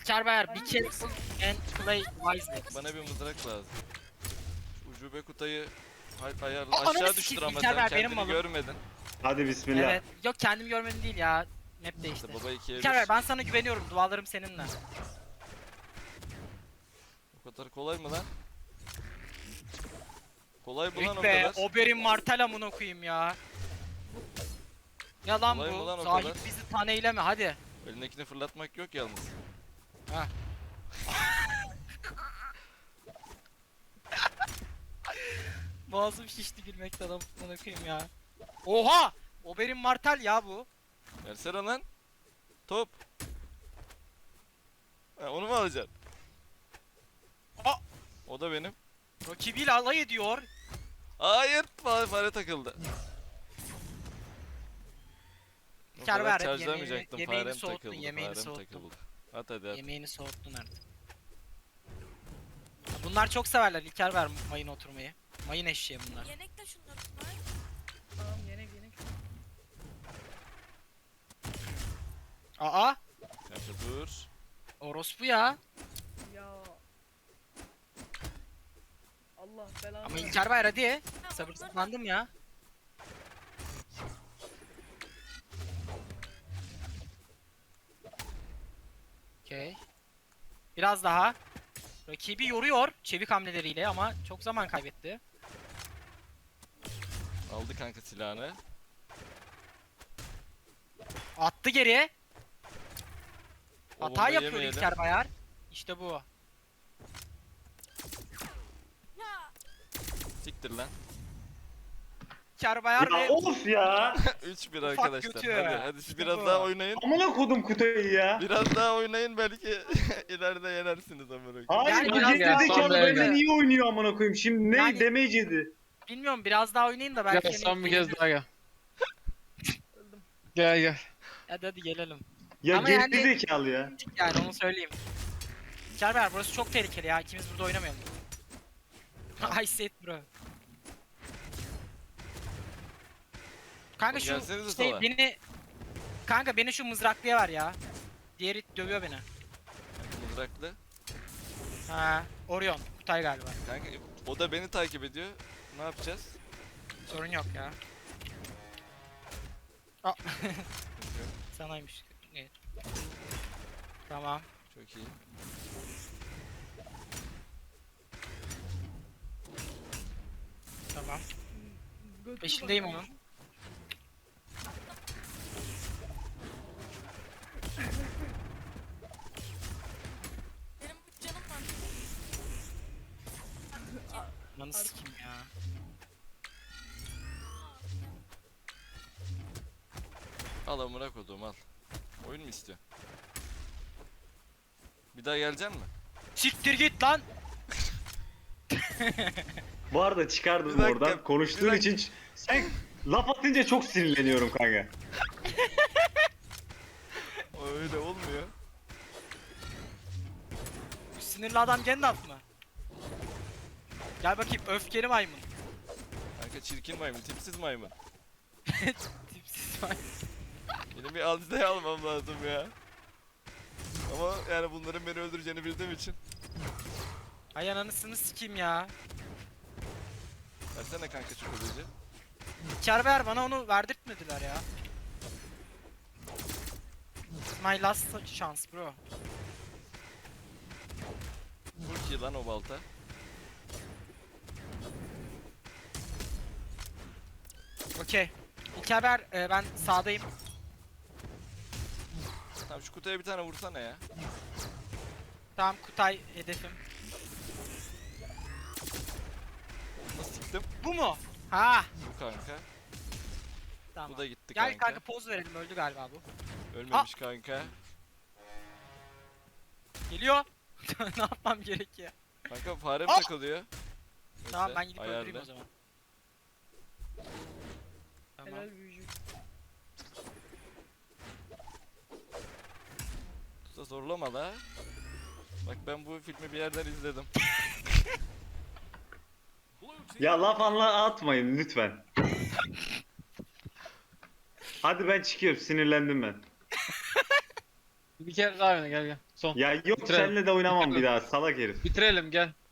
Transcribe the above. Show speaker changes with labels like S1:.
S1: Kerber, be careful and play wisely.
S2: Bana bir mızrak lazım. Şu ucube kutayı ayarla.
S1: Ananı
S2: Aşağı
S1: sikeyim,
S2: düştür ama
S1: İlker
S2: sen
S1: ver, benim
S2: kendini
S1: malım.
S2: görmedin.
S3: Hadi bismillah.
S1: Evet. Yok kendim görmedim değil ya. Map değişti.
S2: İşte baba ikiye
S1: Kerber
S2: bir.
S1: ben sana güveniyorum. Dualarım seninle.
S2: O kadar kolay mı lan? Kolay mı lan o
S1: Yok be,
S2: kadar?
S1: Oberyn Martell amına koyayım ya. Ya lan
S2: Kolay mı lan
S1: bu?
S2: o
S1: Zahit
S2: kadar?
S1: bizi taneyleme hadi.
S2: Elindekini fırlatmak yok yalnız.
S1: Ha. Boğazım şişti gülmekten amına koyayım ya. Oha! Oberyn Martell ya bu.
S2: Versene lan. Top. Ha, onu mu alacaksın?
S1: Aa!
S2: O da benim.
S1: Rakibiyle alay ediyor.
S2: Hayır, fare takıldı. O
S1: Kar
S2: kadar
S1: ver,
S2: charge'lamayacaktım,
S1: yemeğini
S2: farem
S1: soğuttun,
S2: takıldı,
S1: yemeğini
S2: farem
S1: soğuttun.
S2: takıldı. At hadi at.
S1: Yemeğini soğuttun artık. Bunlar çok severler İlker ver mayın oturmayı. Mayın eşeği bunlar.
S4: Yenek de şunları var.
S5: Tamam yenek yenek.
S1: Aa!
S2: Kanka dur.
S1: Orospu ya.
S5: Ya. Allah belanı
S1: Ama
S5: versin.
S1: İlker ver hadi.
S4: Ha, onları
S1: Sabırsızlandım ya. Okey. Biraz daha. Rakibi yoruyor çevik hamleleriyle ama çok zaman kaybetti.
S2: Aldı kanka silahını.
S1: Attı geriye.
S2: O
S1: Hata
S2: bombayı
S1: yapıyor
S2: yemeyelim.
S1: İlker Bayar. İşte bu.
S4: Ya
S2: Siktir lan.
S1: İlker Bayar
S3: Ya
S1: ve
S3: of ya.
S2: 3-1
S1: Ufak
S2: arkadaşlar.
S1: götü.
S2: Hadi siz
S1: İşte
S2: biraz
S1: bu.
S2: daha oynayın.
S3: Amına kodum kutuyu ya.
S2: Biraz daha oynayın belki ileride yenersiniz amına koyayım.
S3: Hayır
S1: Yani
S3: bu
S1: biraz
S5: ya,
S3: gerizekalı
S5: son
S3: benden
S5: derece.
S3: iyi oynuyor amına koyayım. Şimdi ne
S1: Yani-
S3: damage yedi.
S1: bilmiyorum biraz daha oynayın da belki
S6: Gel son bir kez
S1: yenebilir.
S6: daha gel.
S5: Öldüm.
S6: Gel gel.
S1: Hadi gelelim.
S3: Ya
S1: Ama yani-
S3: gerizekalı ya.
S1: Yani onu söyleyeyim. İlker Bayar burası çok tehlikeli ya. İkimiz burada oynamayalım. I said bro. Kanka şu
S2: Gelsenize
S1: şey
S2: sola.
S1: Kanka beni şu mızraklıya ver ya. Diğeri dövüyor beni.
S2: Kanka mızraklı.
S1: Ha, Orion, Kutay galiba.
S2: Kanka o da beni takip ediyor. Ne yapacağız?
S1: Sorun yok ya. Aa. Sanaymış. Evet. Tamam.
S2: Çok iyi.
S1: Tamam.
S5: Götür
S1: Peşindeyim
S5: bakalım.
S1: onun.
S4: benim 3 canım var.
S1: Lan sikim ya.
S2: Al amına koduğum al. Oyun mu istiyorsun? Bir daha gelecek mi?
S1: Siktir git lan.
S3: Bu arada çıkardım
S2: Bir dakika,
S3: oradan. Konuştuğun
S2: bir dakika.
S3: için sen laf atınca çok sinirleniyorum kanka.
S2: O öyle olmuyor.
S1: Bu sinirli adam Gandalf mı? Gel bakayım öfkeli maymun.
S2: Kanka çirkin maymun, tipsiz maymun.
S1: Tipsiz maymun.
S2: Benim bir aldizeye almam lazım ya. Ama yani bunların beni öldüreceğini bildiğim için.
S1: Ay ananısını sikeyim ya.
S2: Versene kanka şu kılıcı.
S1: Kerber bana onu verdirtmediler ya. This is my last chance bro.
S2: Vur ki lan o balta.
S1: Okey. Kerber ben sağdayım.
S2: Tamam şu kutuya bir tane vursana ya.
S1: Tamam Kutay hedefim.
S2: Nasıl siktim?
S1: Bu mu? Ha.
S2: Bu kanka.
S1: Tamam.
S2: Bu da gitti
S1: Gel
S2: kanka.
S1: kanka poz verelim öldü galiba bu.
S2: Ölmemiş kanka.
S1: Geliyor. Ne yapmam gerekiyor?
S2: Kanka farem
S1: Aa!
S2: takılıyor.
S1: Tamam
S2: Neyse,
S1: ben gidip
S2: ayarla.
S1: öldüreyim o zaman. Tamam.
S5: Helal büyücü.
S2: Usta zorlama la. Bak ben bu filmi bir yerden izledim.
S3: Ya laf atmayın lütfen. Hadi ben çıkıyorum sinirlendim ben.
S6: Bir kere daha oyna gel gel. Son.
S3: Ya yok
S6: Bitirelim.
S3: seninle de oynamam
S6: Bitirelim.
S3: bir daha salak herif.
S6: Bitirelim gel.